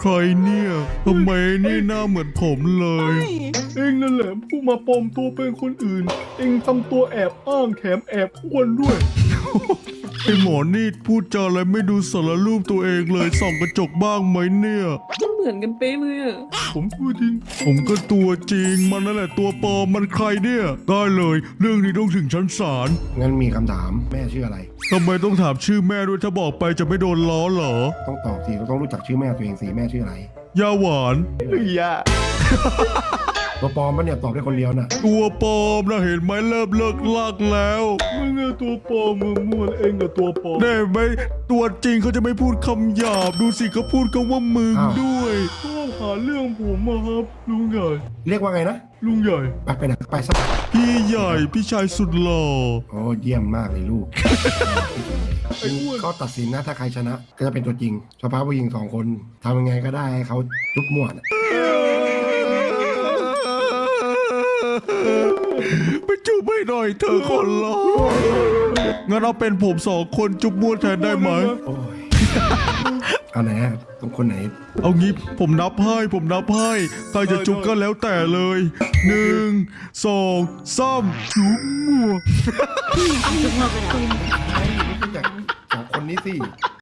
ใครเนี่ยทำไมนี่หน้าเหมือนผมเลยเองนั่นแหละผู้มาปลอมตัวเป็นคนอื่นเองทำตัวแอบอ้างแถมแอบอ้วนด้วย ไอหมอนี่พูดจาอะไรไม่ดูสารรูปตัวเองเลยส่องกระจกบ้างไหมเนี่ยเหมือนกันเป๊ะเลยอะผมพูดจริงผมก็ตัวจริงมันนั่นแหละตัวปลอมมันใครเนี่ยได้เลยเรื่องนี้ต้องถึงชั้นศาลงั้นมีคำถามแม่ชื่ออะไรทำไมต้องถามชื่อแม่ด้วยถ้าบอกไปจะไม่โดนล้อเหรอต้องตอบสิต้องรู้จักชื่อแม่ตัวเองสิแม่ชื่ออะไรยาหวานย่าตัวปลอมปะเนี่ยตอบได้คนเดียวน่ะตัวปลอมนะเห็นไหมเริ่มเลิกลากแล้วมึงอะตัวปลอมมึงมั่วเองกับตัวปลอมได้ไหมตัวจริงเขาจะไม่พูดคำหยาบดูสิเขาพูดคำว่ามึงด้วยชอบหาเรื่องผมอะครับลุงใหญ่เรียกว่าไงนะลุงใหญ่ไปไหนไปสักพี่ใหญ่พี่ชายสุดหล่อโอ้เยี่ยมมากเลยลูกก็ตัดสินนะถ้าใครชนะก็จะเป็นตัวจริงสภาพผู้หญิง2 คนทำยังไงก็ได้ให้เขาจุ๊บมั่วนะไปจุ๊บให้หน่อยเธอคนรองั้นเอาเป็นผม2 คนจุ๊บมั่วแทนได้ไหมโอ้ยเอาไหนตรงคนไหนเอางี้ผมนับให้ใครจะจุ๊บก็แล้วแต่เลย1 2 3จุ๊บมั่วจาก2 คนนี้สิ